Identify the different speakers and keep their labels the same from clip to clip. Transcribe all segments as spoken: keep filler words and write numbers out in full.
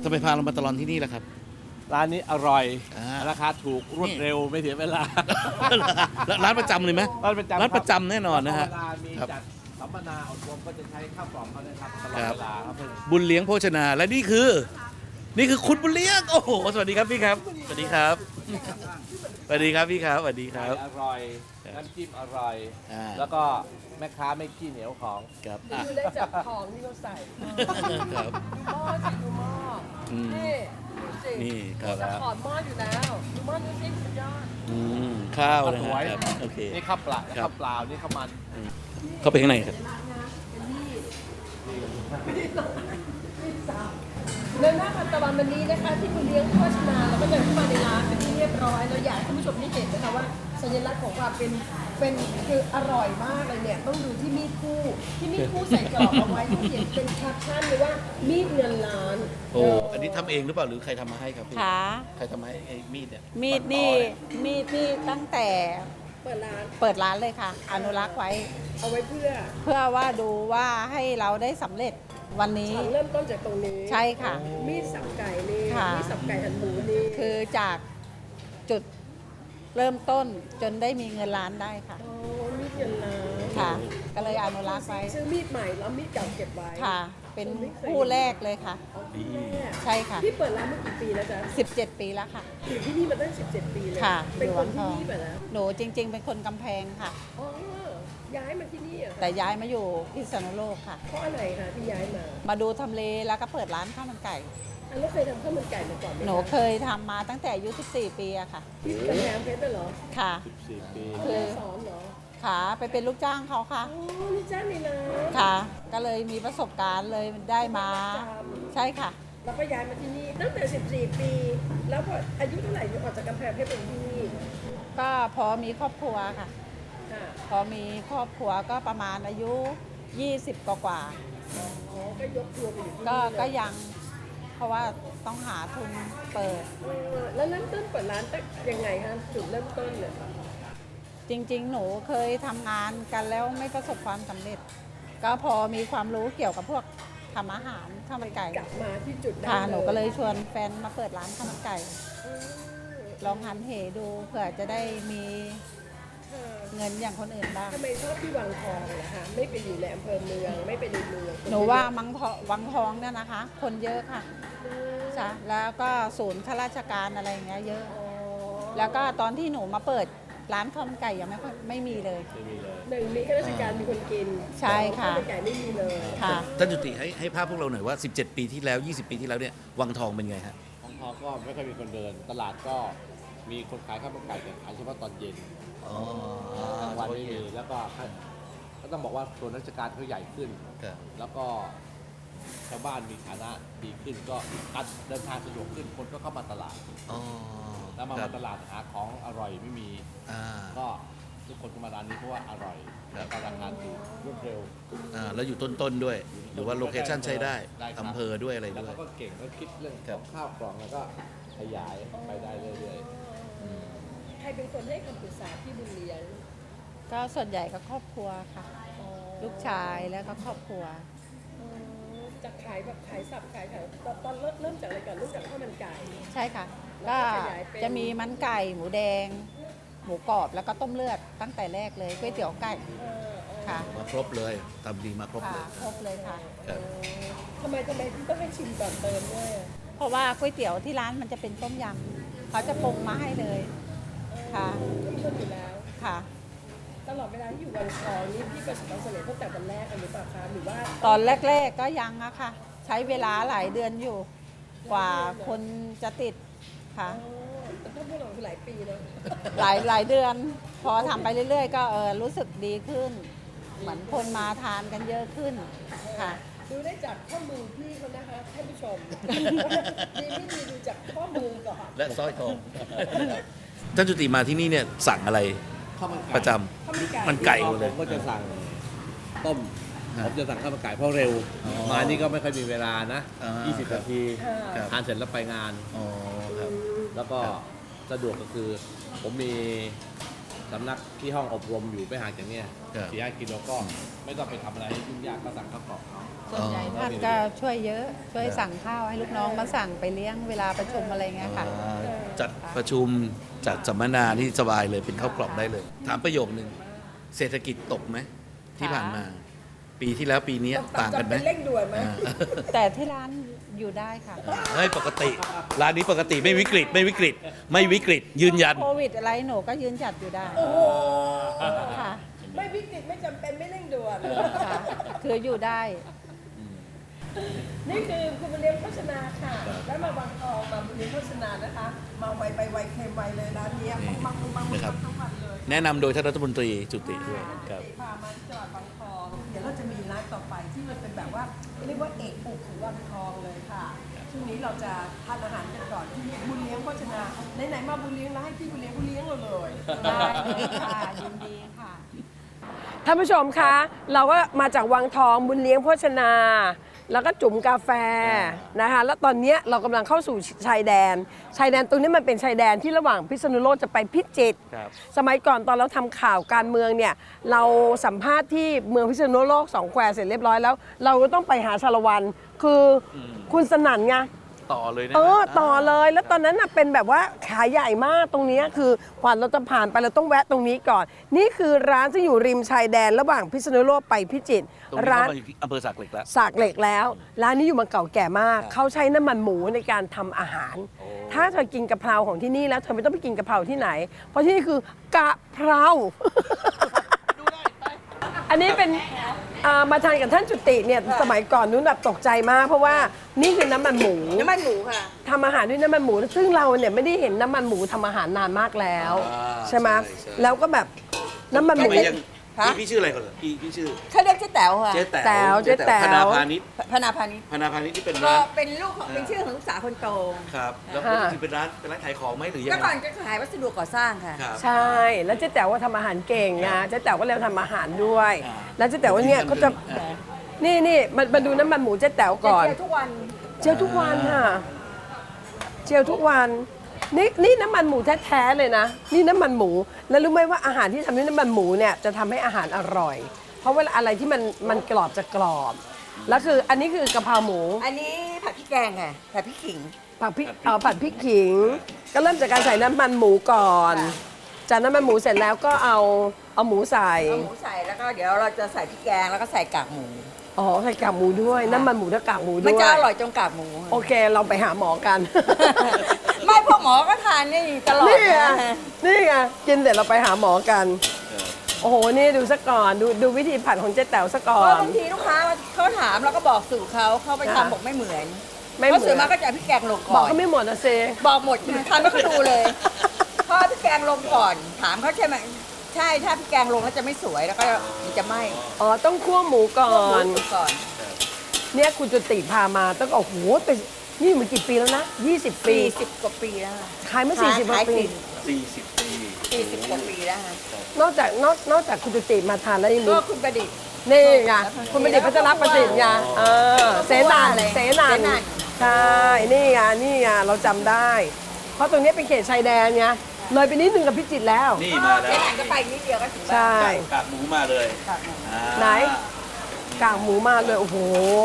Speaker 1: จะไปพาเรามาตลอดที่นี่แหละครับ
Speaker 2: ร้านนี้อร่อย
Speaker 1: อ่า
Speaker 2: ราคาถูกรวดเร็วไม่เสียเวลา
Speaker 1: ร้านประจำเลยไหม
Speaker 2: ร้านประจำ
Speaker 1: ร้านประจำแน่นอนนะฮะ
Speaker 2: เวลามี
Speaker 1: ครับ
Speaker 2: จัดสัมมนาอบรมก็จะใช้ข้าวกล่องเขานะครับตลอด
Speaker 1: ครับ
Speaker 2: เวลาครับเพื่อน
Speaker 1: บุญเลี้ยงโภชนาและนี่คือ นี่คือคุณบุญเลี้ยงโอ้โหสวัสดีครับพี่ครับสวัสดีครับสวัสดีครับพี่ครับสวัสดีครับ
Speaker 2: อร่อยน้ำจิ้มอร่อย
Speaker 1: อ่า
Speaker 2: แล้วก็แม่ค้าไม่ขี้เหนียวของ
Speaker 1: ครับอ่ะ
Speaker 3: ดูได้จากของที่เขาใส่
Speaker 1: ครับ
Speaker 3: หม้อสิดูหม้ออ
Speaker 1: ม
Speaker 3: นี่ดูสิ
Speaker 1: นี่ครับ
Speaker 3: จะถอดหม้ออยู่แล้วดูหม้อดูสิสุดยอด
Speaker 1: อืมข้าวนะ
Speaker 2: ส
Speaker 1: ฮะ
Speaker 2: วย
Speaker 1: ครับโอเค
Speaker 2: นี่ข้าวเปล่า
Speaker 1: ครับ
Speaker 2: ข้าวเปล่านี่ข้าวมัน
Speaker 1: เข้าไปข้างในครับ
Speaker 3: เดินหน้าพันตะวันวันนี้นะคะที่คุณเลี้ยงโฆษณาแล้วก็เดินเข้ามาในร้านเป็นที่เรียบร้อยเราอยากให้ท่านผู้ชมได้เห็นนะคะว่าสัญลักษณ์ของความเป็นเป็นคืออร่อยมากเลยเนี่ยต้องดูที่มีดคู่ที่มีดคู่ใส่กรอบเอาไว้ที่เขียนเป็นแคปชั่นเลยว่ามีดเงินล้าน
Speaker 1: โอ้อันนี้ทำเองหรือเปล่าหรือใครทำมาให้ครับพี่
Speaker 4: ค่ะ
Speaker 1: ใครทำมาให้ไอ้มีดเนี่ย
Speaker 4: มีดนี่มีดนี่ตั้งแต่
Speaker 3: เปิดร้าน
Speaker 4: เปิดร้านเลยค่ะ อนุรักษ์ไว้
Speaker 3: เอาไว้เพื่อ
Speaker 4: เพื่อว่าดูว่าให้เราได้สำเร็จวันนี้
Speaker 3: เริ่มต้นจากตรงนี้
Speaker 4: ใช่ค่ะ
Speaker 3: มีดสับไก่นี่
Speaker 4: ค่ะ
Speaker 3: มีดสับไก่หั่นหมูนี่
Speaker 4: คือจากจุดเริ่มต้นจนได้มีเงินล้านได้ค่ะ
Speaker 3: โอ้มีดเงินล้าน
Speaker 4: ค่ะ ก็เลยอนุรักษ์ไว้
Speaker 3: ซื้อมีดใหม่แล้วมีดเก่าเก็บไว้
Speaker 4: ค่ะ เป็นคู่แรกเลยค่ะ
Speaker 3: ดี
Speaker 4: ใช่ค่ะ
Speaker 3: พี่เปิดร้านมากี่ปีแล้วจ๊ะ
Speaker 4: สิบเจ็ด ปีแล้วค่ะ
Speaker 3: อยู่ที่นี่มาตั้งสิบเจ็ดปีเลย
Speaker 4: ค่ะ
Speaker 3: เป็นคน
Speaker 4: อยู่
Speaker 3: ที่
Speaker 4: วังทอง
Speaker 3: นี่แบบนะ
Speaker 4: หนูจริง ๆ เป็นคนกำแพงค่ะ
Speaker 3: อ๋อย้ายมาที่นี่เหรอ่ะ
Speaker 4: แต่ย้ายมาอยู่พิษณุโลกค่ะ
Speaker 3: เพราะอะไรคะที่ย้ายมา
Speaker 4: มาดูทำเลแล้วก็เปิดร้านข้าวมันไก่
Speaker 3: อันแล้วเคยทำข้าวมันไก่มาก่อนไหมะ
Speaker 4: หนูเคยทำมาตั้งแต่อายุสิบสี่ ปีอะค่ะ
Speaker 3: ที่กำแพงเพชรน่ะเหรอ
Speaker 4: ค่ะ
Speaker 2: สี่ปี
Speaker 4: คือ
Speaker 3: แม่สอนเหรอ
Speaker 4: ค่ะไปเป็นลูกจ้างเขาค่ะ
Speaker 3: อ๋อนี่จ้างนี่นะ
Speaker 4: ค่ะ ก็เลยมีประสบการณ์เลยได้มา ใช่ค่ะ
Speaker 3: แล้วก็ย้ายมาที่นี่ตั้งแต่สิบสี่ปี แล้วพออายุเท่าไหร่ถึงออกจากกำแพงเพชรเป็นที่นี่
Speaker 4: ก็พอมีครอบครัวค่ะ
Speaker 3: ค่ะ
Speaker 4: พอมีครอบครัวก็ประมาณอายุ ยี่สิบ กว่ากว่า
Speaker 3: อ๋อก็ยกครัวไปอยู่ที่
Speaker 4: ก็
Speaker 3: นี่เลย
Speaker 4: ก็ยัง เพราะว่าต้องหาทุนเปิด
Speaker 3: เออแล้วเริ่มต้นเปิดร้านตั้งยังไงคะจุดเริ่มต้นเนี่ย
Speaker 4: จริง ๆ หนูเคยทำงานกันแล้วไม่ประสบความสำเร็จ ก็พอมีความรู้เกี่ยวกับพวกทำอาหารข้าวมันไก่
Speaker 3: กลับมาที่จุดนั้น
Speaker 4: ค่ะหนูก็เลยชวนแฟนมาเปิดร้านข้าวมันไก่
Speaker 3: เออ
Speaker 4: ลองหันเหดูเผื่อจะได้มี
Speaker 3: ค่ะ
Speaker 4: เงินอย่างคนอื่นบ้าง
Speaker 3: ทำไมชอบที่วังทองล่ะคะไม่ไปอยู่ในอำเภอเมืองไม่ไปในเมือง
Speaker 4: หนูว่ามังทอวังทองเนี่ยนะคะ คนเยอะค่ะ
Speaker 3: เออ
Speaker 4: ใช่แล้วก็ศูนย์ข้าราชการอะไรอย่างเงี้ยเยอะ
Speaker 3: อ๋อ
Speaker 4: แล้วก็ตอนที่หนูมาเปิดร้านข้าวมันไก่ยังไม่ค่อยไม่มีเลย
Speaker 2: ไม่มีเลย
Speaker 3: หนึ่งมีข้าราชการมีคนกิน
Speaker 4: ใช่ค่ะ
Speaker 3: ข้าวมันไก่ไม่มีเลย
Speaker 4: ค่ะ
Speaker 1: ท่านจุติให้ให้ภาพพวกเราหน่อยว่า สิบเจ็ด ปีที่แล้ว ยี่สิบ ปีที่แล้วเนี่ยวังทองเป็นไงฮะ
Speaker 2: ของทองก็ไม่ค่อยมีคนเดิน ตลาดก็มีคนขายข้าวมันไก่แต่ขายเฉพาะตอนเย็น
Speaker 1: อ๋อก
Speaker 2: ลางวันไม่มีแล้วก็ก็ต้องบอกว่าส่วนราชการเขาใหญ่ขึ้น
Speaker 1: ครับ
Speaker 2: แล้วก็ชาวบ้านมีฐานะดีขึ้นก็การเดินทางสะดวกขึ้นคนก็เข้ามาตลาด
Speaker 1: อ๋อ
Speaker 2: แล้วมา
Speaker 1: ครั
Speaker 2: มา
Speaker 1: บ
Speaker 2: ตลาดหาของอร่อยไม่มี
Speaker 1: อ่า
Speaker 2: ก็ทุกคนก็มาร้านนี้เพราะว่าอร่อย
Speaker 1: ครับ
Speaker 2: แล้วก็ราคาถูกรวดเร็ว
Speaker 1: อ่าแล้วอยู่ต้นๆด้วย หรือว่าโลเคชั่นใช้ได้
Speaker 2: ได้ครับ
Speaker 1: อำเภอด้วยอะไร
Speaker 2: แล้ว
Speaker 1: ด้วย
Speaker 2: เขาก็เก่งเขาคิดเรื่อง
Speaker 1: ครั
Speaker 2: ขอบ งข้าวกล่องแล้วก็ขยายไปได้เรื่อย
Speaker 3: ใครเป็นคนให้คำปรึกษาที่บุญเลี้ยง
Speaker 4: ก็ส่วนใหญ่ก็ครอบครัวค่ะ
Speaker 3: อ๋อ
Speaker 4: ลูกชายแล้วก็ครอบครัว
Speaker 3: อ๋อจากขายแบบขายสับขายขายตอนตอนเริ่มเริ่มจากอะไรก่อนเริ่มจากข้าวมันไก่
Speaker 4: ใช่ค่ะ
Speaker 3: แล้
Speaker 4: ก็
Speaker 3: วก็ขยายเป็น
Speaker 4: จะมีมันไก่หมูแดง หมูกรอบแล้วก็ต้มเลือดตั้งแต่แรกเลยก๋วยเตี๋ยวไก่
Speaker 3: เออเออ
Speaker 4: ค่ะ
Speaker 1: มาครบเลยทำดีมาครบเล
Speaker 4: ค่ะ
Speaker 1: ย
Speaker 4: ครบเลยค่ะ
Speaker 1: ครับ
Speaker 3: ทำไมทำไมพี่ต้องให้ชิมก่อนเติมด้วยอะ
Speaker 4: เพราะว่าก๋วยเตี๋ยวที่ร้านมันจะเป็นต้มยำเขาจะปรุงมาให้เลย ค่ะ
Speaker 3: เข้มข้นอยู่แล้ว
Speaker 4: ค่ะ
Speaker 3: ตลอดเวลาที่อยู่วังทองนี่พี่ประสบความสำเร็จตั้งแต่วันแรกหรือเปล่าคะหรือว่า
Speaker 4: ตอนแรก ๆก็ยังอะค่ะ ใช้เวลาหลายเดือนอยู่ กว่าคนจะติดค่ะ
Speaker 3: อ๋อแต่ถ้าพวกเราคือหลายปีนะ
Speaker 4: หลายหลายเดือน พอทำไปเรื่อยๆ ก็เออรู้สึกดีขึ้น เหมือนคนมาทานกันเยอะขึ้นค่ะ
Speaker 3: ดูได้จากข้อมือพี่เขานะคะท่านผู้ชม ดีไม่ดีดูจากข้อมือก่อน
Speaker 1: และสร้อยทอง ท่านจุติมาที่นี่เนี่ยสั่งอะไร
Speaker 2: ๆข้าวมันไก่
Speaker 1: ประจ
Speaker 3: ข้าวมันไก่
Speaker 1: ำมันไก่หมด
Speaker 2: ผ
Speaker 1: เลย
Speaker 2: มก็จะสั่งต้ม
Speaker 1: ฮะ
Speaker 2: ผมจะสั่งข้าวมันไก่เพราะเร็ว
Speaker 1: อ๋อ
Speaker 2: มานี่ก็ไม่ค่อยมีเวลานะ
Speaker 1: อ่า
Speaker 2: ยี่สิบ
Speaker 1: ครับ
Speaker 2: นาที
Speaker 1: ครับ
Speaker 2: ทานเสร็จแล้วไปงาน
Speaker 1: อ๋อครับ
Speaker 2: แล้วก็
Speaker 1: ครับ
Speaker 2: สะดวกก็คือ ผมมีสำนักที่ห้องอบรมอยู่ไม่ห่างจากเนี้ย
Speaker 1: ครับ
Speaker 2: สี่ห้ากิโลก็ไม่ต้องไปทำอะไรให้ยุ่งยากก็สั่งข้าวกล่อง
Speaker 4: ส่วนใหญ่ท่านก็ช่วยเยอะ ช่วยสั่งข้าวให้ลูกน้องมาสั่งไปเลี้ยงเวลาประชุมอะไรเงี้ยค่ะ
Speaker 1: อ่าจัดประชุมจัดสัมมนาที่สบายเลยเป็นข้าวกล่องได้เลย ถามประโยคนึงเศรษฐกิจตกไหมที่ผ่านมา ปีที่แล้วปีนี้ต่างกันไหม
Speaker 3: จำเป็นเร่งด่วนไหม
Speaker 1: อ่า
Speaker 4: แต่ที่ร้านอยู่ได้ค่ะ
Speaker 1: เฮ้ยปกติร้านนี้ปกติไม่วิกฤตไม่วิกฤต ไม่วิกฤต ยืนยัน
Speaker 4: โควิดอะไรหนูก็ยืนจัดอยู่ได้
Speaker 3: โอ้โห
Speaker 4: ค่ะ
Speaker 3: ไม่วิกฤตไม่จำเป็นไม่เร่งด่วน
Speaker 4: ค่ะ คืออยู่ได้
Speaker 3: นี่คือคุณบุญเลี้ยงโภชนาค่ะ แล้วมาบางทองมาบุญเลี้ยงโภชนานะคะ มาไวไปไวเค็มไวเลยร้านเนี้ย
Speaker 1: นี่
Speaker 3: ปังปังปังปัง
Speaker 1: นะครับ
Speaker 3: ทั้งวันเลย
Speaker 1: แนะนำโดยท่านรัฐมนตรีจุติด้วยครับ
Speaker 3: พามาจังหวัดบางทอง เดี๋ยวเราจะมีร้านต่อไปที่มันเป็นแบบว่าเรียกว่าเอกอุกของบางทองเลยค่ะ ช่วงนี้เราจะทานอาหารกันก่อนที่บุญเลี้ยงโภชนาไหนๆมาบุญเลี้ยงแล้วให้พี่บุญเลี้ยงบุญเลี้ยงเราเลย
Speaker 4: ได้เลยค่ะยินดีค่ะ
Speaker 3: ท่านผู้ชมคะ เราก็มาจากวังทองบุญเลี้ยงโภชนา แล้วก็จุ๋มกาแฟนะคะแล้วตอนเนี้ยเรากำลังเข้าสู่ชายแดน ชายแดนตรงนี้มันเป็นชายแดนที่ระหว่างพิษณุโลกจะไปพิจิตร
Speaker 1: ครับ
Speaker 3: สมัยก่อนตอนเราทำข่าวการเมืองเนี่ยเราสัมภาษณ์ที่เมืองพิษณุโลกสองแควเสร็จเรียบร้อยแล้ว เราก็ต้องไปหาชาละวันคืออ
Speaker 1: ม
Speaker 3: คุณสนั่นไง
Speaker 1: ต่อเลยนะ
Speaker 3: เออต่อเลยแล้วตอนนั้นน่ะเป็นแบบว่าขายใหญ่มากตรงเนี้ยคือกว่าเราจะผ่านไปเราต้องแวะตรงนี้ก่อน นี่คือร้านที่อยู่ริมชายแดนระหว่างพิษณุโลกไปพิจิตร
Speaker 1: ตรงนี้
Speaker 3: ร้าน
Speaker 1: เข้ามาอยู่ที่อำเภอสักเหล็กแล้ว
Speaker 3: สากเหล็กแล้ว ร้านนี้อยู่มาเก่าแก่มาก เขาใช้น้ำมันหมูในการทำอาหาร
Speaker 1: โอ้
Speaker 3: ถ้าเธอกินกะเพราของที่นี่แล้วเธอไม่ต้องไปกินกะเพราที่ไหน เพราะที่นี่คือกะเพรา อันนี้เป็นอ่ามาทานกับท่านจุติเนี่ยสมัยก่อนนู้นแบบตกใจมาก เพราะว่านี่คือน้ำมันหมู
Speaker 5: น้ำมันหมูค่ะ
Speaker 3: ทำอาหารด้วยน้ำมันหมู ซึ่งเราเนี่ยไม่ได้เห็นน้ำมันหมูทำอาหารนานมากแล้ว
Speaker 1: อ่า
Speaker 3: ใช่ไหม
Speaker 1: ใช่ใช่
Speaker 3: แล้วก็แบบน้ำมันหมู
Speaker 1: พี่ยัง
Speaker 5: ฮะ
Speaker 1: พี่พี่ชื่ออะไรก่อนเหรอพี่พี่ชื่อ
Speaker 5: เขาเรียกเจ๊แต๋วค่ะ
Speaker 1: เจ๊แต๋
Speaker 3: แต๋ว
Speaker 1: ว
Speaker 3: เจ๊แต๋ว
Speaker 1: พนาพาณิชย์
Speaker 5: พนาพาณิชย์
Speaker 1: พนาพาณิชย์ที่เป็น
Speaker 5: ก็
Speaker 1: ร้าน
Speaker 5: เป็นลูกของเป็นชื่อของลูกสาวคนโต
Speaker 1: ครับ แล้วก็คือเป็นร้านเป็นร้านขายของไหมหรือยัง
Speaker 5: ก็
Speaker 1: ไง
Speaker 5: ก่อนก็ขายวัสดุก่อสร้างค่ะ
Speaker 1: ครับ
Speaker 3: ใช่ แล้วเจ๊แต๋วว่าทำอาหารเก่งไงเจ๊แต๋วก็เลยทำอาหารด้วย
Speaker 1: อ่า
Speaker 3: แล้วเจ๊แต๋วว่าเนี่ยก็จะ
Speaker 1: อ่า
Speaker 3: นี่นี่มามาดูน้ำมันหมูเจ๊แต๋วก่อน
Speaker 5: เจียวทุกวัน
Speaker 3: เจียวทุกวันค่ะเจียวทุกวันนี่นี่น้ำมันหมูแท้ๆเลยนะ นี่น้ำมันหมู แล้วรู้ไหมว่าอาหารที่ทำด้วยน้ำมันหมูเนี่ยจะทำให้อาหารอร่อย เพราะเวลาอะไรที่มันมันกรอบจะกรอบ แล้วคืออันนี้คือกะเพราหมู
Speaker 5: อันนี้ผัดพริกแกงค่ะผัดพริกขิง
Speaker 3: ผัดพริกเอาผัดพริกขิง ก็เริ่มจากการใส่น้ำมันหมูก่อน
Speaker 5: ค่ะ
Speaker 3: จากน้ำมันหมูเสร็จแล้วก็เอาเอาหมูใส่
Speaker 5: เอาหมูใส่แล้วก็เดี๋ยวเราจะใส่พริกแกงแล้วก็ใส่กากหมู
Speaker 3: อ๋อใส่กากหมูด้วย น้ำมันหมูและกากหมูด้วย
Speaker 5: มันจะอร่อยจนกากหมู
Speaker 3: โอเคเราไปหาหมอกัน
Speaker 5: ไม่พวกหมอก็ทานนี่ตลอด
Speaker 3: นี่ไง
Speaker 5: นะ
Speaker 3: นี่ไงกินเสร็จเราไปหาหมอกัน โอ้โห นี่ดูซะก่อน ดูดูวิธีผัดของเจ๊แต๋วซะก่อ
Speaker 5: เพราะ
Speaker 3: น
Speaker 5: บางทีลูกค้าเขาถามเราก็บอกสูตรเขาเขาไป
Speaker 3: ค่ะ
Speaker 5: ทำบอกไม่เหมือน
Speaker 3: ไม่เหมือน
Speaker 5: เพราะส่วนมากก็จะเอาพริกแกงลง
Speaker 3: บอ
Speaker 5: ก่
Speaker 3: ก
Speaker 5: อน
Speaker 3: เขาไม่หมดนะเซ
Speaker 5: บอกหมดทานไม่ก็ดูเลยเพราะพริกแกงลงก่อน ถามเขาใช่ไหมใช่ถ้าพริกแกงลงแล้วจะไม่สวยแล้วก็มันจะไหม้
Speaker 3: อ๋อ ต้องคั่วหมูก่อ
Speaker 5: พวกหมู
Speaker 3: น
Speaker 5: สุกก่อน
Speaker 3: เนี่ยคุณจุติพามาต้องโอ้โหแต่นี่มันกี่ปีแล้วนะ ยี่สิบ ปี
Speaker 5: สี่สิบกว่าปีแล้วค่ะ
Speaker 3: ขายมาสี่สิบกว่า
Speaker 5: ขาย
Speaker 3: ปี
Speaker 1: สี่สิบปี
Speaker 5: สี่สิบกว่าปีแล้วค่ะ
Speaker 3: นอกจากนอกนอกจากคุณจุติมาทานแล้วยังมี
Speaker 5: ก็คุณประดิษฐ์
Speaker 3: นี่ไงคุณประดิษฐ์พัชรประสิทธิ์ไงเออเสนัน
Speaker 5: อะไร
Speaker 3: เสนัน
Speaker 5: เสนัน
Speaker 3: ใช่ นี่ไง นี่ไง เราจำได้ เพราะตรงนี้เป็นเขตชายแดนไง เลยไปนิดนึงกับพิจิตรแล้ว
Speaker 1: นี่มาแล้ว
Speaker 5: แค่ไหนก็ไปนิดเดียวก็ถึงบ้าน
Speaker 3: ใช่
Speaker 1: กากหมูมาเลย
Speaker 5: ค่ะ
Speaker 1: อ่า
Speaker 3: ไหน กากหมูมาเลย โอ้โห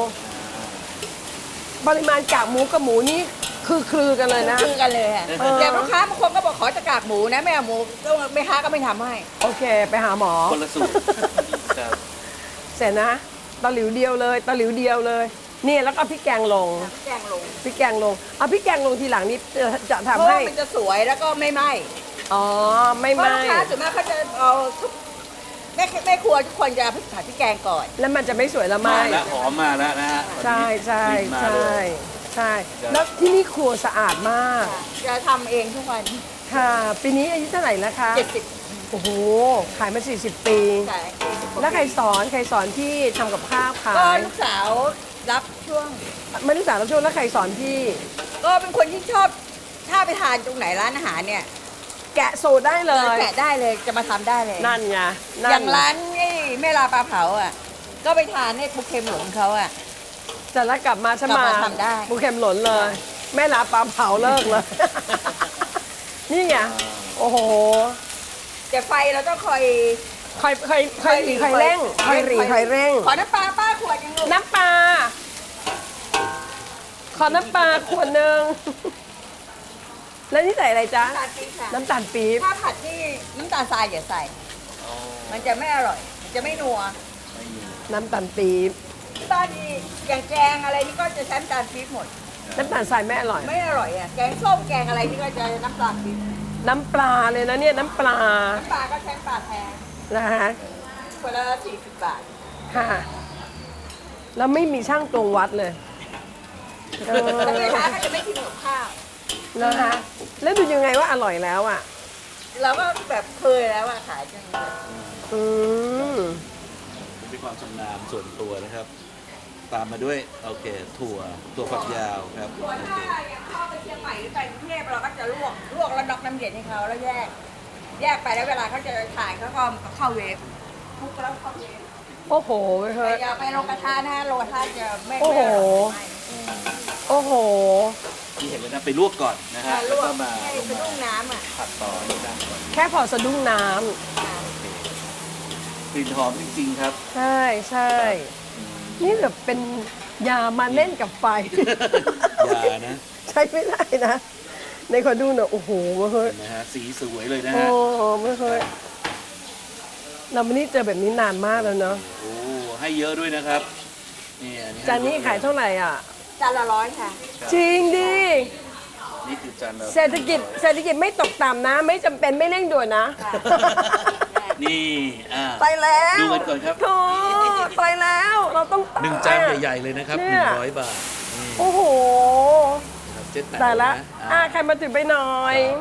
Speaker 3: ปริมาณกากหมูกับหมูนี่คือคลือกันเลยนะ
Speaker 5: คือกันเลยค่ะ
Speaker 3: เออ
Speaker 5: แต่ลูกค้าบางคนก็บอกขอจะกากหมูนะไม่เอาหมูก็ไม่ค้าก็ไม่ทำให้
Speaker 3: โอเค ไปหาหมอ
Speaker 1: คนละสูตรครับ
Speaker 3: เสร็จนะตะหลิวเดียวเลยตะหลิวเดียวเลย นี่แล้วก็เอาพริกแกงลง
Speaker 5: แกงลง
Speaker 3: พริกแกงลง เอาพริกแกงลงทีหลังนี้จะจะ
Speaker 5: เพราะ
Speaker 3: ทำให้
Speaker 5: ว่ามันจะสวยแล้วก็ไม่ไหม้
Speaker 3: อ๋อ ไม่
Speaker 5: เพราะ
Speaker 3: ไหม
Speaker 5: ลูกค้าส่วนมากเขาจะเอาทุกแม่แม่ครัวทุกคนจะผัดพริกแกงก่อน
Speaker 3: แล้วมันจะไม่สวยละไหม
Speaker 1: มาแล้วหอมมาแล้วนะฮะ
Speaker 3: ใช่ใช่
Speaker 1: กลิ่นมา
Speaker 3: ใช่
Speaker 1: เลย
Speaker 3: ใช่ แล้วที่นี่ครัวสะอาดมาก
Speaker 5: จะทำเองทุกวัน
Speaker 3: ค่ะ ปีนี้อายุเท่าไหร่แล้วคะ
Speaker 5: เจ็ดสิบ
Speaker 3: โอ้โห ขายมา สี่สิบ ปี
Speaker 5: ใช่
Speaker 3: แล้วใครสอน ใครสอนพี่ทำกับข้าวขา
Speaker 5: ก็
Speaker 3: ย
Speaker 5: ลูกสาวรับช่วง
Speaker 3: ไม่รู้จักรับช่วงแล้วใครสอนพี่
Speaker 5: ก็เป็นคนที่ชอบถ้าไปทานตรงไหนร้านอาหารเนี่ย
Speaker 3: แกะสูตรได้เลย
Speaker 5: แกะได้เลยจะมาทำได้เลย
Speaker 3: นั่นไงนั่น
Speaker 5: อย่างร้านไอ้แม่ลาปลาเผาอ่ะ ก็ไปทานในปูเค็มหลงเขาอ่ะ
Speaker 3: เสร็จแล้วกลับมาฉัน
Speaker 5: กลั
Speaker 3: มา
Speaker 5: บมาทำได้
Speaker 3: ปูเข็มหล่นเลย แม่ลาปลาเผาเลิกเลย นี่ไง โอ้โห
Speaker 5: แต่ไฟเราต้องคอย
Speaker 3: คอยคอยคอยหลีคอยเร่งคอยหลีคอยเร่ง
Speaker 5: ขอน้ำปลาป้าขวดยังลูก
Speaker 3: น้ำปลา ขอน้ำปลาขวดหนึ่ง แล้วนี่ใส่อะไรจ๊ะ
Speaker 5: น้ำตาลปี๊บค่ะ
Speaker 3: น้ำตาลปี๊บ
Speaker 5: ถ้าผัดที่น้ำตาลทรายอย่าใส่ มันจะไม่อร่อย มันจะไม่นัว
Speaker 3: น้ำตาลปี๊บ
Speaker 5: ที่บ้านนี่อย่างแกงอะไรนี่ก็จะใช้น้ำตาลปี๊บหมด
Speaker 3: น้ำตาลทรายไม่อร่อย
Speaker 5: ไม่อร่อยอ่ะ แกงส้มแกงอะไรนี่ก็จะน้ำตาลปี๊บ
Speaker 3: น้ำปลาเลยนะเนี่ยน้ำปลา
Speaker 5: น้ำปลาก็ใช้ปลาแท้
Speaker 3: นะฮะ
Speaker 5: คนละสี่สิบบาท
Speaker 3: ค่ะ แล้วไม่มีช่างตวงวัดเลยเออ
Speaker 5: แล้วแม่ค้าก็จะไม่กินกับข้าว
Speaker 3: นะคะแล้วดูยังไงว่าอร่อยแล้วอ่ะ
Speaker 5: เราก็แบบเคยแล้วอะขายจังเลย
Speaker 3: อืม
Speaker 1: เป็นความชำนาญส่วนตัวนะครับ ตามมาด้วยโอเคถั่วถั่วฝักยาวครับ
Speaker 5: ส่วน
Speaker 1: โอ
Speaker 5: ถ้า
Speaker 1: เค
Speaker 5: อย่างเข้าไปเชียงใหม่หรือไปกรุงเทพเราก็จะลวก ลวกแล้วน็อกน้ำเย็นให้เขาแล้วแยก แยกไปแล้วเวลาเขาจะถ่ายเขาก็เข้าเวฟคลุกแล้วเข้าเวฟ
Speaker 3: โอ้โหเฮ้
Speaker 5: แต่
Speaker 3: ย
Speaker 5: อย่าไปลงกระทะนะลงกระทะจะไม่
Speaker 3: โอ้โห
Speaker 5: ไม่อร่อยไม่
Speaker 3: โอ้โห
Speaker 1: ที่เห็นเลยนะไปลวกก่อนนะฮะ
Speaker 5: ล
Speaker 1: แล้ว
Speaker 5: ว
Speaker 1: ก็
Speaker 5: ก
Speaker 1: มา
Speaker 5: ให้
Speaker 1: ลง
Speaker 5: เป็น
Speaker 1: มา
Speaker 5: ลูกน้ำอ่ะ
Speaker 1: ผัดต่อนี่นะ
Speaker 3: แค่พอสะดุ้งน้
Speaker 1: กลิ่นหอมจริงๆครับ
Speaker 3: ำใช่ใช่ นี่แบบเป็นยามาเล่นกับไฟ
Speaker 1: อย่านะ
Speaker 3: ใช้ไม่ได้นะ ในขอดูหน่อยโอ้โหเฮ้ย
Speaker 1: เห็นไหมฮะสีสวยเลยนะ
Speaker 3: โอ้
Speaker 1: ฮะ
Speaker 3: ไม่เคยเราไม่ได้เจอแบบนี้นานมากแล้วเนาะ
Speaker 1: โอ้ให้เยอะด้วยนะครับนี่อัให้
Speaker 3: จานนี้ขายเท่าไหร่อ่ะ
Speaker 5: จานละร้อยค่ะ
Speaker 3: จริงดิ
Speaker 1: นี่คือจานละ
Speaker 3: เศรษฐกิจเศรษฐกิจไม่ตกต่ำนะ ไม่จำเป็นไม่เร่งด่วนนะ
Speaker 1: นี่อ่า
Speaker 3: ไปแล้ว
Speaker 1: ดูกันก่อนครับ
Speaker 3: โธ่ไปแล้วเราต้องตย
Speaker 1: หนึ่งจานใหญ่ๆเลยนะครับห
Speaker 3: เนี่
Speaker 1: นึ่
Speaker 3: ย
Speaker 1: งร้อยบาทนี่
Speaker 3: โอ้โห
Speaker 1: นะครับเจ็ดแปด
Speaker 3: ตายละ
Speaker 1: นะ
Speaker 3: อ่ะ
Speaker 1: อ่า
Speaker 3: ใครมาถือไปหน่อย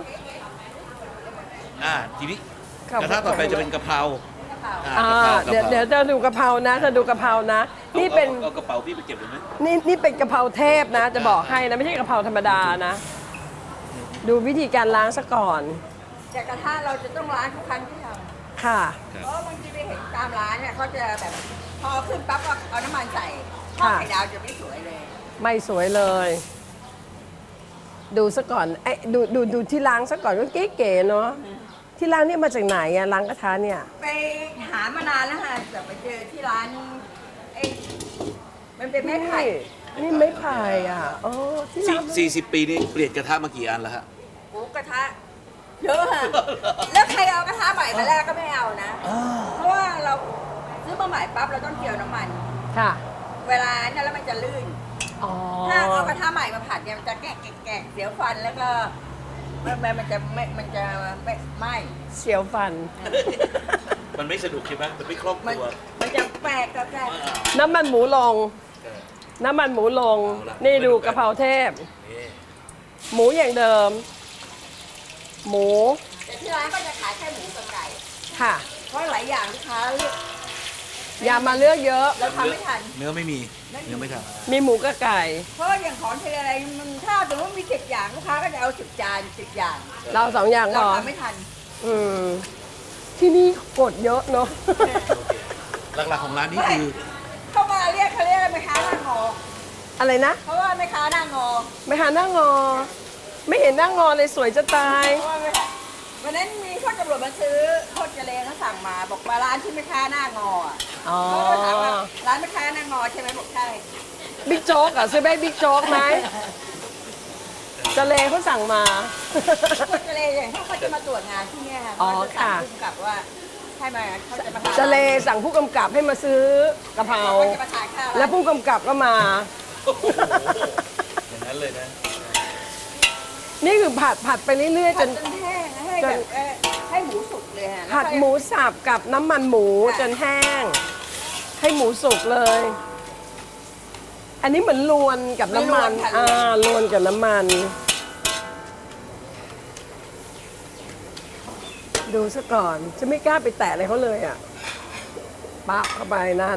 Speaker 1: อ่าทีนี้
Speaker 3: ครับ
Speaker 1: กระทะต่อไปจะเป็นกะเพราอ่า
Speaker 3: อ่าก
Speaker 1: ะเพรา
Speaker 3: เดี๋ยว
Speaker 1: กะเพรา
Speaker 3: เดี๋ยวจะดูกะเพรานะจะดูกะเพรานะ นี่เป็น
Speaker 1: อาเอากระเป๋าพี่ไปเก็บเลยไหม
Speaker 3: นี่นี่เป็นกะเพราเทพนะ จะบอกให้นะ ไม่ใช่กะเพราธรรมดานะ ดูวิธีการล้างซะก่อน
Speaker 5: แต่กระทะเราจะต้องล้างทุกครั้งที่ท
Speaker 3: ค่ะ
Speaker 5: ำเพราะบางทีไปเห็นตามร้านเนี่ยเขาจะแบบพอขึ้นปั๊บก็เอาน้ำมันใส่ทอด
Speaker 3: ค่ะ
Speaker 5: ไข่ดาวจะไม่สวยเลย
Speaker 3: ไม่สวยเลย ดูซะก่อนไอ้ดูดูดูที่ล้างซะก่อนก็เก๋ๆเนาะที่ล้างเนี่ยมาจากไหนอะล้างกระทะเนี่ย
Speaker 5: ไปหามานานแล้วค่ะแต่ไปเจอที่ร้านไอ้มันเป็นไม้ไผ่
Speaker 3: นี่นี่ไม้ไผ่อ่ะโอ้ที่
Speaker 1: สี่
Speaker 3: ร้าน
Speaker 1: สี่สิบปีนี้เปลี่ยนกระทะมากี่อันแล้วฮะ
Speaker 5: หมูกระทะเยอะค่ะ แล้วใครเอากระทะใหม่มาแรกก็ไม่เอานะ เพราะว่าเราซื้อมาใหม่ปั๊บเราต้องเกี่ยวน้ำมัน
Speaker 3: ค่ะ
Speaker 5: เวลาเนี่ยแล้วมันจะลื่น
Speaker 3: อ๋อ
Speaker 5: ถ้าเอากระทะใหม่มาผัดเนี่ยมันจะแกะแกะแกะเสียวฟันแล้วก็มันมันมันจะไม่มันจะไม่ไหม
Speaker 3: เสียวฟัน
Speaker 1: มันไม่สนุกใช่ไหมมันไม่คล่อง
Speaker 5: มัน
Speaker 1: ตัว
Speaker 5: มันจะแปลกกับแปลก
Speaker 3: น้ำมันหมูลง น้ำมันหมูลง
Speaker 1: เอาละ
Speaker 3: นี่ดูกะเพราเทพ
Speaker 1: นี่
Speaker 3: หมูอย่างเดิม หมู
Speaker 5: แต่ที่ร้านก็จะขายแค่หมูกับไก่
Speaker 3: ค่ะ
Speaker 5: เพราะหลายอย่างลูกค้าเลือก
Speaker 3: อย่ามาเลือกเยอะ
Speaker 5: เราทำไม่ทัน
Speaker 1: เนื้อไม่มีเนื้อไม่ท
Speaker 3: มีหมูกับไก่
Speaker 5: เพราะอย่างของเทอะไรมันถ้าสมมติมีสิบอย่างลูกค้าก็จะเอาสิบจานสิบอย่าง
Speaker 3: เราสองอย่าง
Speaker 5: เรา
Speaker 3: ก่อน
Speaker 5: ทำไม่ทัน
Speaker 3: อืม ที่นี่กดเยอะเนาะ
Speaker 1: ำหลักๆของร้านนี้คือ
Speaker 5: เข้ามาเรียกเขาเรียกอะไรแม่ค้าหน้างอ
Speaker 3: อะไรนะ
Speaker 5: เพราะว่าแม่ค้าหน้างอ
Speaker 3: ไม่หาหน้างอ ไม่เห็นหน้างอเลยสวยจะตาย
Speaker 5: เพราะว่าแม่ค้าวันนั้นมีคนตำรวจมาซื้อโคตรเจเลเขาสั่งมา บอกว่าร้านที่แม่ค้าหน้างออ่ะ
Speaker 3: อ๋อ
Speaker 5: เขาก็ถามว่าร้านแม่ค้าหน้างอใช่ไหมบอกใช่
Speaker 3: บิ๊กโจ๊กอ่ะซื้อไปบิ๊กโจ๊กไหมจะเลเขาสั่งมา
Speaker 5: โคตรเจเลอย่างถ้าเขาจะมาตรวจงานที่เนี่ยค่ะ
Speaker 3: อ๋อ
Speaker 5: เขาจะสั่ง
Speaker 3: ค่ะ
Speaker 5: ผู้กำกับว่าให้มาเขาจะมาทาน
Speaker 3: จะเลสั่งผู้กำกับให้มาซื้อกะเพรา
Speaker 5: เขาจะมาทานข้าว
Speaker 3: แล้วผู้กำกับก็มา
Speaker 1: โอ้โหอย่างนั้นเลยนะ
Speaker 3: นี่คือผัดผัดไปเรื่อยๆ
Speaker 5: ผั
Speaker 3: จ
Speaker 5: ด
Speaker 3: น
Speaker 5: จนแห้งให้
Speaker 3: จ
Speaker 5: แบ
Speaker 3: น
Speaker 5: บเอ่อให้หมูสุกเลยฮะ
Speaker 3: ผัดหมูสับกับน้ำมันหมูจนแห้ง ให้หมูสุกเลย อันนี้เหมือนลวนกับน้ำมันอ่าลวนกับน้ำมัน ดูซะก่อนจะไม่กล้าไปแตะอะไรเขาเลยอ่ะปั๊บเข้าไปนั่น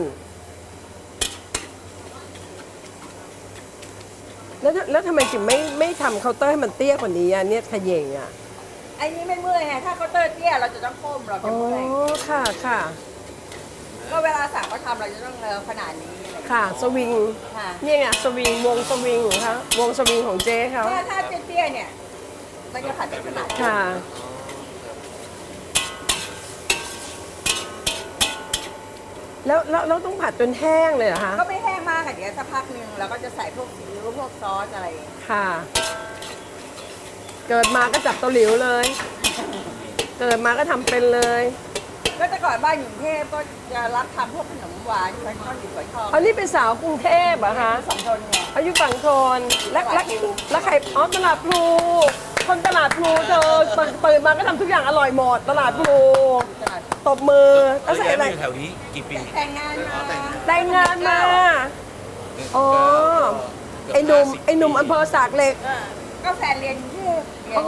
Speaker 3: แล้วแล้วทำไมถึงไม่ไม่ทำเคาน์เตอร์ให้มันเตี้ยกว่านี้อ่ะเนี่ยขยเยงอ่ะ
Speaker 5: ไอ้นี้ไม่เมื่อยฮะถ้าเขาน์เตอร์เตี้ยเราจะต้องก้มเราจะ
Speaker 3: อ๋อ
Speaker 5: เมื่อย
Speaker 3: ค่ะค่ะ
Speaker 5: ก็เวลาสั่งเขาทำเราจะต้องเออขนาดนี้อะไรอย่างเงี้ย
Speaker 3: ค่ะสวิง
Speaker 5: ค่ะ
Speaker 3: นี่ไงสวิงวงสวิงของเขาวงสวิงของเจ๊เขา
Speaker 5: ถ้าถ้าเตี้ยๆเนี่ยมันจะผัดได้ขนาดนี้
Speaker 3: ค่ะแล้วแล้วเราต้องผัดจนแห้งเลยเหรอคะ
Speaker 5: ก็ไม่แห้งมากค่ะเดี๋ยวสักพักหนึ่งเราก็จะใส่พวกซีอิ๊วพวกซอสอะไร
Speaker 3: ค่ะ เกิดมาก็จับเตาหลิวเลย เกิดมาก็ทำเป็นเลย
Speaker 5: ก็แต่ก่อนบ้านอยู่กรุงเทพก็จะรับทำพวกขนมหวานฝอยทอดอยู่ฝอยทอง
Speaker 3: อันนี้เป็นสาวกรุงเทพเหรอะคะ
Speaker 5: สองทนไง
Speaker 3: อายุฝั่งทนและและและใครอ๋อตลาดพลูคนตลาดพลูเธอเปิดเปิดมาก็ทำทุกอย่างอร่อยหมด ตลาดพลู
Speaker 5: ตลาด
Speaker 3: ตบมือ
Speaker 1: แล้
Speaker 3: แล้ว วใส่
Speaker 1: ย้าย
Speaker 3: อะไร
Speaker 1: มาอยู่แถวนี้กี่ปี
Speaker 5: แต่งงานมา
Speaker 3: แต่งงานมา อ๋อ ไอ้หนุ่มไอ้หนุ่มอำเภอสากเหล็ก
Speaker 5: เออก็แฟนเรียนกรุงเทพเรียน
Speaker 3: อ๋อ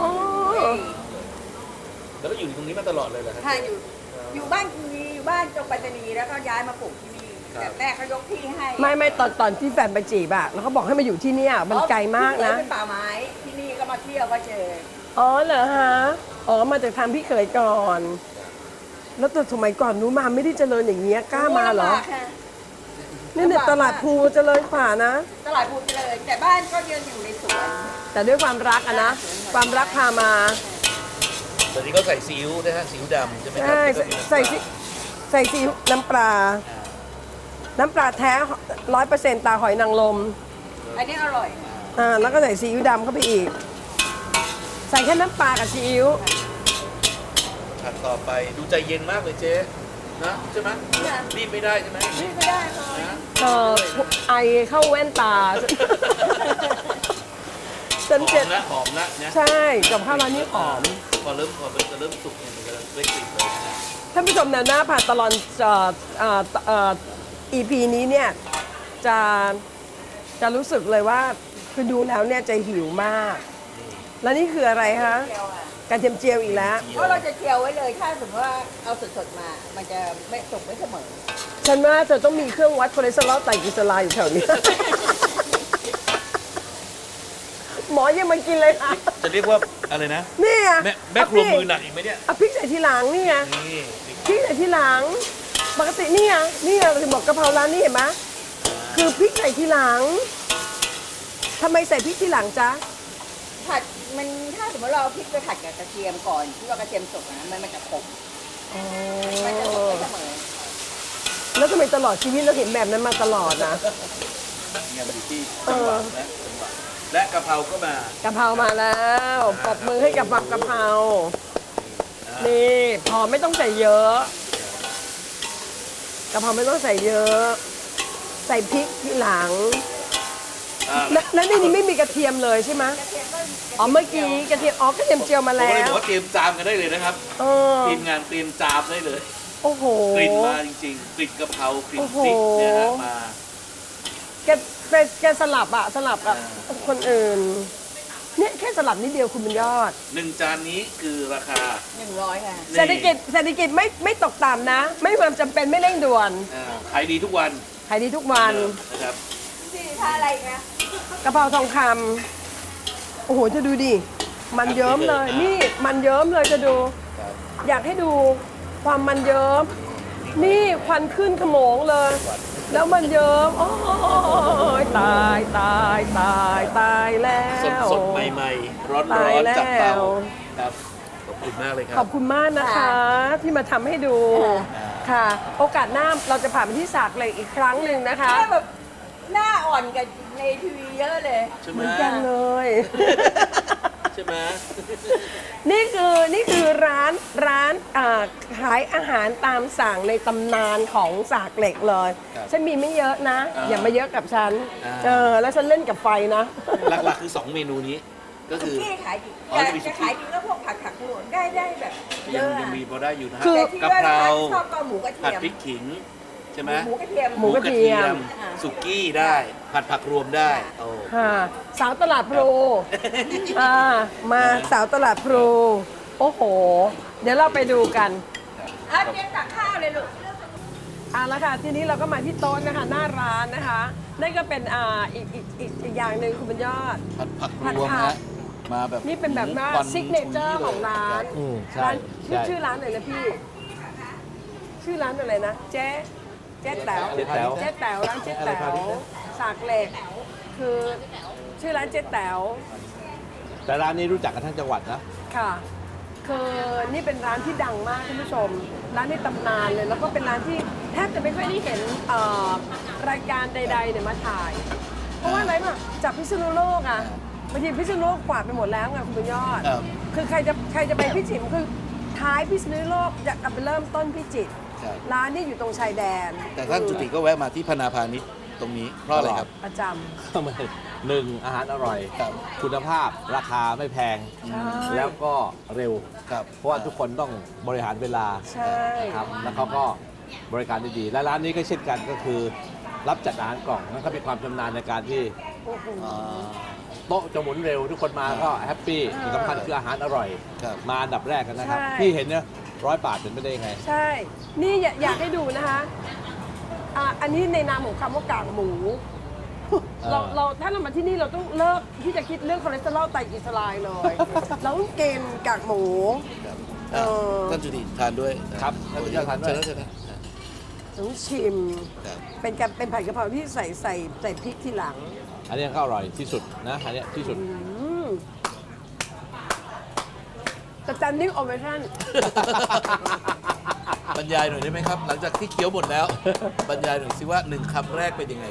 Speaker 1: แล้วก็อยู่ตรงนี้มาตลอดเลยเหรอครับ
Speaker 5: ค่ะอยู่อยู่บ้านกรุงนีอยู่บ้านจงปัตตานีแล้วก็ย้ายมาปลูกที่นี่
Speaker 1: ครับ
Speaker 5: แต่แม่เขายกที่ให้
Speaker 3: ไม่ไม่ตอนตอนที่แฟนไปจีบอะแล้วเขาบอกให้มาอยู่ที่เนี่ยมันไกลมากนะ
Speaker 5: ที่เป็นป่าไม้ที่นี่ก็มาเที่ยวก็เจอ
Speaker 3: อ๋อเหรอฮะ อ๋อ มาจากทางพี่เขยก่อน แล้วแต่สมัยก่อนนู้นมาไม่ได้เจริญอย่างเงี้ยกล้ามาเหรอ
Speaker 5: ลำบกค่ะ
Speaker 3: นี่เนี่ยตลาดพลูเจริญกว่านะ
Speaker 5: ตลาดพูดเลย แต่บ้านก็ยังอยู่ในสวน
Speaker 3: แต่ด้วยความรักอะนะ ความรักพามา
Speaker 1: ตอนนี้เขาใส่ซีอิ๊วนะฮะซีอิ๊วดำใช่ไหมครั
Speaker 3: ใช่
Speaker 1: แล้วก็
Speaker 3: ใส่
Speaker 1: มีน้ำปลา
Speaker 3: ใส่ซีใส่ซีอิ๊วน้ำปลา น้ำปลาแท้ร้อยเปอร์เซ็นต์ตาหอยนางรม
Speaker 5: อันนี้อร่อย
Speaker 3: อ่า แล้วก็ใส่ซีอิ๊วดำเข้าไปอีก ใส่แค่น้ำปลากับซีอิ๊ว
Speaker 1: ผัดต่อไปดูใจเย็นมากเลยเจ๊นะใช่ไหมรีบไม่ได้ใช่ไหม
Speaker 5: นี่ไม่ได้ค่ะ
Speaker 1: นะ
Speaker 3: เออไอเข้าแว่นตา
Speaker 1: ห
Speaker 3: ฉัน
Speaker 1: อ
Speaker 3: เจ็ด
Speaker 1: มนะหอมนะนะ
Speaker 3: ใช่ กับข้าวร้านนี้หอม
Speaker 1: พอเริ่มพอมันจะเริ่มสุกเนี่ยมันจะได้กลิ่นเลยนะฮะ
Speaker 3: ท่านผู้ชมแนวหน้าผ่านตลอดเอ่อเอ่อเอ่อ อี พี นี้เนี่ยจะจะรู้สึกเลยว่าคือดูแล้วเนี่ยจะหิวมาก แล้วนี่คืออะไรคะ
Speaker 5: เจียวอ่ะ
Speaker 3: กระเทียมเจียวอีกแล้ว
Speaker 5: เพราะเราจะเจียวไว้เลย ถ้าสมมติว่าเอาสดๆมา มันจะไม่สุกไม่เสมอ
Speaker 3: ฉันว่าเธอต้องมีเครื่องวัดคอเลสเตอรอลไตรกลีเซอไรด์อยู่แถวนี้ หมอยังมากินเลยค่ะ
Speaker 1: จะเรียกว่าอะไรนะ
Speaker 3: นี่ไง
Speaker 1: แม่แม่ครัวมือหนักอีกไหมเนี่ย
Speaker 3: เอาพริกใส่ทีหลังนี่ไง
Speaker 1: นี่
Speaker 3: พริกใส่ทีหลัง ปกตินี่ไงนี่ไงเราถึงบอกกะเพราร้านนี้เห็นไหมคือพริกใส่ทีหลังทำไมใส่พริกทีหลังจ๊ะ
Speaker 5: ผัดมันถ้าสมมติเราเอาพริกไปผัดกับกระเทียมก่อนที่ว่ากระเทียมสุกนะมันมันจะขมมันจะสุกไม่เสมอ
Speaker 3: แล้วทำไมตลอดชีวิตเราเห็นแบบนั้นมาตลอดนะ
Speaker 1: เนี่ยมันอยู่ที่จังหวะนะจังหวะและกะเพราก็มาก
Speaker 3: ะเพรามาแล้วปรบมือให้กับผักกะเพรานี่พอไม่ต้องใส่เยอะกะเพราไม่ต้องใส่เยอะ ใส่พริกทีหลัง
Speaker 1: อ่า
Speaker 3: แล้วแล้วในนี้ไม่มีกระเทียมเลยใช่ไหมอ๋อเมื่อกี้กระเทียมอ๋อกระเทียมเจียวมา
Speaker 1: ผม
Speaker 3: แล้
Speaker 1: เลยบ
Speaker 3: ว
Speaker 1: อกว่าเตรียมจามกันได้เลยนะครับ
Speaker 3: เออ
Speaker 1: ทีมงานเตรียมจามได้เลย
Speaker 3: โอ้โห
Speaker 1: กลิ่นมาจริงๆ กลิ่นกะเพรากลิ่น
Speaker 3: โอ้โห
Speaker 1: พริกเนี่ยฮะมา
Speaker 3: แกแกแกสลับอะสลับกับคนอื่น เนี่ยแค่สลับนิดเดียวคุณบุญยอด
Speaker 1: หนึ่งจานนี้คือราคา
Speaker 5: หนึ่งร้อยค่ะ
Speaker 1: นี่
Speaker 3: เศรษฐกิจเศรษฐกิจไม่ไม่ตกต่ำนะ ไม่มีความจำเป็นไม่เร่งด่วน
Speaker 1: อ่าขายดีทุกวัน
Speaker 3: ขายดีทุกวัน
Speaker 1: เดิมนะครับ
Speaker 5: ที่ท่าอะไรอีกนะ
Speaker 3: กะเพราทองคำโอ้โหจะดูดิ มันเยิ้มเลย นี่มันเยิ้มเลยจะดู
Speaker 1: ครับ
Speaker 3: อยากให้ดูความมันเยิ้ม นี่ควันขึ้นขโมงเลย แล้วมันเยิ้มโอ้ยตายตายตายตายแล้ว
Speaker 1: สดสดๆใหม่ๆ ร้อน
Speaker 3: ตา
Speaker 1: ร้
Speaker 3: ย
Speaker 1: อน
Speaker 3: แล้ว
Speaker 1: จากเตาครับ ขอบคุณมากเลยค
Speaker 3: ข
Speaker 1: รั
Speaker 3: อ
Speaker 1: บบ
Speaker 3: คุณมากนะคะ ที่มาทำให้ดู ค่ะ โอกาสหน้าเราจะผ่านไปที่สากเหล็กอีกครั้งหนึ่งนะคะ
Speaker 5: แม่แบบหน้าอ่อนกับในทีวีเยอะเลย
Speaker 1: ใช่
Speaker 3: เห
Speaker 1: ไหม
Speaker 3: มือนกันเลย
Speaker 1: ใช่ไหม
Speaker 3: นี่คือนี่คือร้านร้านอ่าขายอาหารตามสั่งในตำนานของสากเหล็กเลย
Speaker 1: ครับ
Speaker 3: ฉันมีไม่เยอะนะ
Speaker 1: อ่า
Speaker 3: อย่ามาเยอะกับฉัน
Speaker 1: อ่า
Speaker 3: เออแล้วฉันเล่นกับไฟนะ
Speaker 1: หลักๆคือสองเมนูนี้ ก็
Speaker 5: สุ
Speaker 1: คือ
Speaker 5: กี้ขายดี
Speaker 1: อ๋อ
Speaker 5: จะ
Speaker 1: จะมีสุ
Speaker 5: จะ
Speaker 1: กี้
Speaker 5: ขายดีก็พวกผัดผักหลวงได้ได้แบบเย
Speaker 1: ยัง
Speaker 5: อะ
Speaker 1: ยัง
Speaker 5: อะ
Speaker 1: มีพอได้อยู่นะฮะ
Speaker 3: คือ
Speaker 5: แต่ที่
Speaker 1: กะ
Speaker 5: ว่า
Speaker 1: เพรา
Speaker 5: ชอบก็หมูกระ
Speaker 1: ผัด
Speaker 5: เทียม
Speaker 1: พริกขิง ใช่ไหม
Speaker 5: หมูกระเทียม
Speaker 3: หมูกระเทียม
Speaker 1: สุกี้ได้ ผัดผักรวมได้โอ้
Speaker 3: ค่ะสาวตลาดพลูอ่ามาสาวตลาดพลูโอ้โห เดี๋ยวเราไปดูกัน
Speaker 5: อ่ะเตรียมตักข้าวเลยลูก
Speaker 3: เอาละค่ะทีนี้เราก็มาที่โต๊ะนะคะหน้าร้านนะคะนั่นก็เป็นอ่าอีกอีกอีกอีกอย่างหนึ่งคุณบุญยอด
Speaker 1: ผัดผัก
Speaker 3: ผัด
Speaker 1: รวม
Speaker 3: ผัก
Speaker 1: นะมาแบบ
Speaker 3: นี่เป็นแบบว่า
Speaker 1: ควัน
Speaker 3: ซิกเนเจอร์ของร้าน
Speaker 2: อืมใช่
Speaker 3: ร้านชื่อ
Speaker 2: ใช่
Speaker 3: ชื่อร้านอะไรนะพี่ ชื่อร้านอะไรนะ เจ๊เจ๊แต๋ว
Speaker 2: เจ๊แต๋ว
Speaker 3: เจ๊แต๋วร้านเจ๊แต๋วสากเหล็กคือชื่อร้านเจ๊แต๋ว
Speaker 2: แต่ร้านนี้รู้จักกันทั้งจังหวัดนะ
Speaker 3: ค่ะ คคือนี่เป็นร้านที่ดังมากท่านผู้ชม ร้านในตำนานเลย แล้วก็เป็นร้านที่แทบจะไม่ค่อยได้เห็นเอ่อรายการใดๆเนี่ยมาถ่าย เพราะว่าอะไรมาจากพิษณุโลกอ่ะบางทีพิษณุโลกกวาดไปหมดแล้วไงคุณบุญยอด
Speaker 1: ครับ
Speaker 3: คือใครจะใครจะไปพิจิตรคือท้ายพิษณุโลกจะกลับไปเริ่มต้นพิจิตร
Speaker 1: ครับ
Speaker 3: ร้านนี่อยู่ตรงชายแดน
Speaker 1: แต่ท่านจุติก็แวะมาที่พนาพาณิชย์ตรงนี้เพราะอะไรครับ
Speaker 3: ประจ
Speaker 2: หนึ่งอาหารอร่อย
Speaker 1: ครับ
Speaker 2: คุณภาพราคาไม่แพง
Speaker 3: ำใช่
Speaker 2: แล้วก็เร็ว
Speaker 1: ครับ
Speaker 2: เพราะว่าทุกคนต้องบริหารเวลา
Speaker 3: ใช่
Speaker 2: ครับแล้วเขาก็บริการได้ดี และร้านนี้ก็เช่นกันก็คือรับจัดอาหารกล่องแล้วก็มีความชำนาญในการที่
Speaker 3: โอ้โห
Speaker 1: อ่า
Speaker 2: โต๊ะจะหมุนเร็ว ทุกคนมาก็แฮปปี้
Speaker 3: อ่า
Speaker 2: ที่สำคัญคืออาหารอร่อย
Speaker 1: ครับ
Speaker 2: มาอันดับแรกกันนะครับ
Speaker 3: ใช่
Speaker 2: ที่เห็นเนี่ยร้อยบาทเป็นไม่ได้ยังไง
Speaker 3: ใช่ นี่อยากอยากให้ดูนะคะอ่ะอันนี้ในนามของคำว่ากากหมู เราเราถ้าเรามาที่นี่เราต้องเลิกที่จะคิดเรื่องคอเลสเตอรอลไตรกลีเซอไรด์เลย เราต้องกินกากหมู
Speaker 1: ครับ
Speaker 3: เออ
Speaker 1: ท่านจุติทานด้วย
Speaker 2: ครับ
Speaker 1: ท่านจุติ
Speaker 2: ทานด้วย
Speaker 1: เชิญนะเชิญนะ
Speaker 3: ต้องชิม
Speaker 1: ครับ
Speaker 3: เป็นการเป็นผัดกะเพราที่ใส่ใส่ใส่พริกทีหลัง
Speaker 2: อันนี้ก็อร่อยที่สุดนะอันนี้ที่สุด
Speaker 3: อืมแต่จันนิ่งโอเวอร์ชัน
Speaker 1: บรรยายหน่อยได้ไหมครับ หลังจากที่เคี้ยวหมดแล้ว บรรยายหน่อยสิว่าหนึ่งคำแรกเป็นยังไง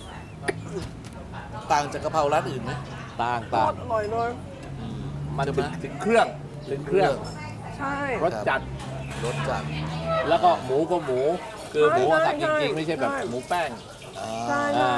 Speaker 1: ต่างจากกะเพราร้านอื่นไหม
Speaker 2: ต่าง
Speaker 3: โค
Speaker 2: ต่าง
Speaker 3: ตรอร่อยเลย
Speaker 2: มัน
Speaker 1: ใช่ไห
Speaker 2: ถึ
Speaker 1: ม
Speaker 2: งถึงเครื่องถึงเครื่อง
Speaker 3: ใช่
Speaker 2: รสจัด
Speaker 1: รสจัด
Speaker 2: แล้วก็หมูก็หมู คือหมู
Speaker 3: ใช่
Speaker 2: สับจ
Speaker 3: ใช่
Speaker 2: ริงๆ ไม่ใช่แบบ
Speaker 3: ใช่
Speaker 2: หมูแป้ง
Speaker 1: อ่า
Speaker 3: ใช่
Speaker 2: อ่า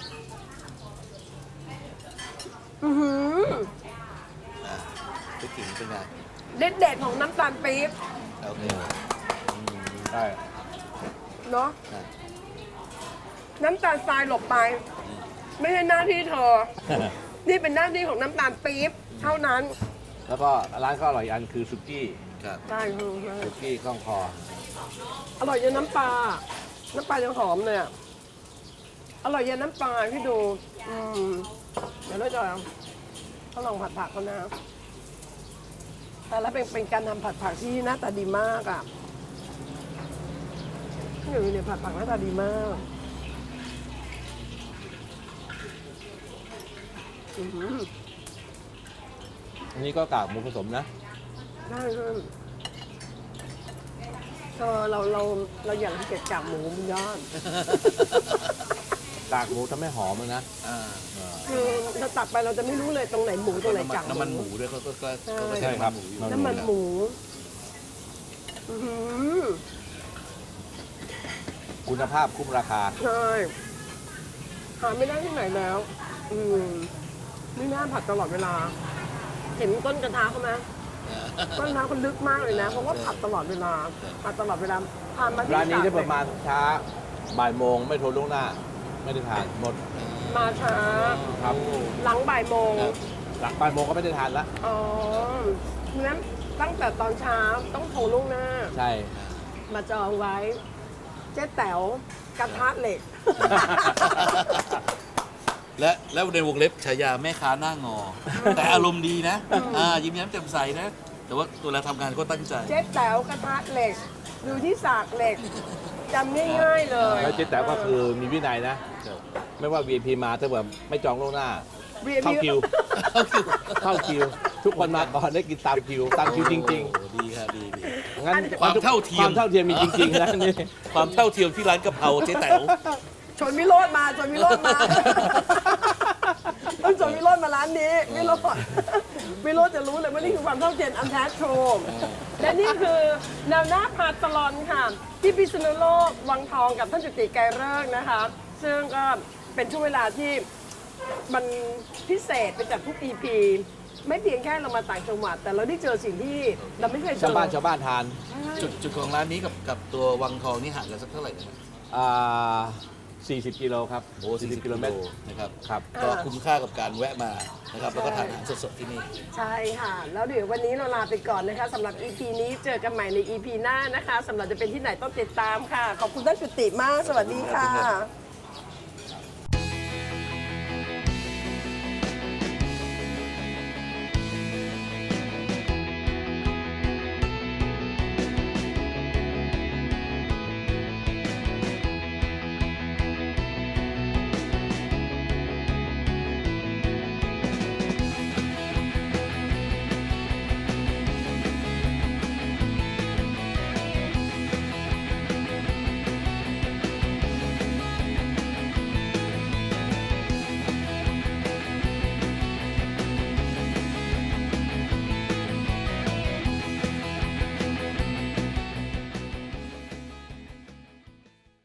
Speaker 3: อือหือ
Speaker 1: อ่าไปถึงเป็นไง
Speaker 3: เด็ดเด็ดของน้ำตาลปี๊บ
Speaker 1: โอเค
Speaker 2: ใช่
Speaker 3: เนาะ
Speaker 1: อ่ะ
Speaker 3: น้ำตาลทรายหลบไป ไม่ใช่หน้าที่เธอ นี่เป็นหน้าที่ของน้ำตาลปี๊บเท่านั้น
Speaker 2: แล้วก็ร้านก็อร่อยอีกอันคือสุกี้
Speaker 1: ครับ
Speaker 3: ได้คือ
Speaker 2: สุกี้ข้องคอ
Speaker 3: อร่อยยันน้ำปลา น้ำปลายังหอมเลยอะอร่อยยันน้ำปลาพี่ดู อืมเดี๋ยวเราจะเขาลองผัดผักเขานะ แต่แล้วเป็นเป็นการทำผัดผักที่หน้าตาดีมากอ่ะนี่อยู่เนี่ยผัดผักหน้าตาดีมากอือหือ
Speaker 2: อันนี้ก็กากหมูผสมนะ
Speaker 3: ได้เลยเออเราเราเราอยากเก็บกากหมูมันยอด
Speaker 2: กากหมูทำให้หอมเลยนะ
Speaker 1: อ่า
Speaker 3: คือเราตักไปเราจะไม่รู้เลยตรงไหนหมูตรงไหน
Speaker 1: น้ำมัน
Speaker 3: กาก
Speaker 1: น้ำมันหมูด้วยเขาก็ก็
Speaker 3: ใช่
Speaker 1: เขาก็
Speaker 2: ใช่
Speaker 1: ใช้
Speaker 2: ครับ
Speaker 1: น้ำมันหมูอยู่
Speaker 3: น้ำมันหมูอื้อหือ
Speaker 2: คุณภาพคุ้มราคา
Speaker 3: ใช่หาไม่ได้ที่ไหนแล้ว อืมนี่น่าผัดตลอดเวลา เห็นต้นกระทะเขาไหมต้นกระทะเขาลึกมากเลยนะ เพราะว่าผัดตลอดเวลาผัดตลอดเวลาผ่านมาที่
Speaker 2: ร้านนี้ได้
Speaker 3: ส
Speaker 2: ประมาณช้าบ่ายโมงไม่โทรล่วงหน้า ไม่ได้ทานหมด
Speaker 3: มาช้า
Speaker 2: ครับ
Speaker 3: หลังบ่ายโมง
Speaker 2: หลังบ่ายโมงก็ไม่ได้ทานละ
Speaker 3: อ๋อนั้นตั้งแต่ตอนเช้าต้องโทรล่วงหน้า
Speaker 2: ใช่
Speaker 3: มาจองไว้ เจ๊แต๋วกระทะเหล็ก
Speaker 1: และแล้วในวงเล็บฉายาแม่ค้าหน้างอ แต่อารมณ์ดีนะอ่ายิ้มแย้มแจ่มใสนะ แต่ว่าตัวเราทำงานก็ตั้งใจ
Speaker 3: เจ๊แต๋วกระทะเหล็ก ดูที่สากเหล็กจำง่ายๆเลย
Speaker 2: แล้วเจ๊แต๋วก็คือมีวินัยนะ ไม่ว่า วี ไอ พี มาถ้าแบบไม่จองล่วงหน้า เข้าคิว เข้าคิว ทุกคนมาก่อนได้กินตามคิว ตามคิวจริง
Speaker 1: โอ้ดีครับดีดี
Speaker 2: ๆ งั้น
Speaker 1: ความเท่าเทียม
Speaker 2: ความเท่าเทียมมีจริงๆนะนี่
Speaker 1: ความเท่าเทียมที่ร้านกะเพราเจ๊แต๋ว
Speaker 3: ชวนวิโรจน์มาชวนวิโรจน์มา ต้องชวนวิโรจน์มาร้านนี้วิโรจน์วิโรจน์จะรู้เลยว่านี่คือความเท่าเทียมอันแท้ทรูและนี่คือแนวหน้าพาตลอนค่ะ ที่พิษณุโลกวังทองกับท่านจุติไกรฤกษ์นะคะ ซึ่งก็เป็นช่วงเวลาที่มันพิเศษไปจากทุก อี พี ไม่เพียงแค่เรามาต่างจังหวัด แต่เราได้เจอสิ่งที่เราไม่เคยเจอ
Speaker 2: ชาวบ้านชาวบ้านทาน
Speaker 1: จุดจุดของร้านนี้กับกับตัววังทองนี่ห่างกันสักเท่าไหร่นะครับ
Speaker 2: อ่าสี่สิบกิโลครับ
Speaker 1: โอ้สี่สิบ
Speaker 2: กิโลเมตร
Speaker 1: นะครับ
Speaker 2: ครับ
Speaker 1: ก็คุ้มค่ากับการแวะมานะครับแล้วก็ทานอาหารสดๆที่นี่
Speaker 3: ใช่ค่ะ แล้วเดี๋ยววันนี้เราลาไปก่อนนะคะสำหรับ อี พี นี้เจอกันใหม่ใน อี พี หน้านะคะสำหรับจะเป็นที่ไหนต้องติดตามค่ะ ขอบคุณท่านจุติมาก สวัสดีค่ะ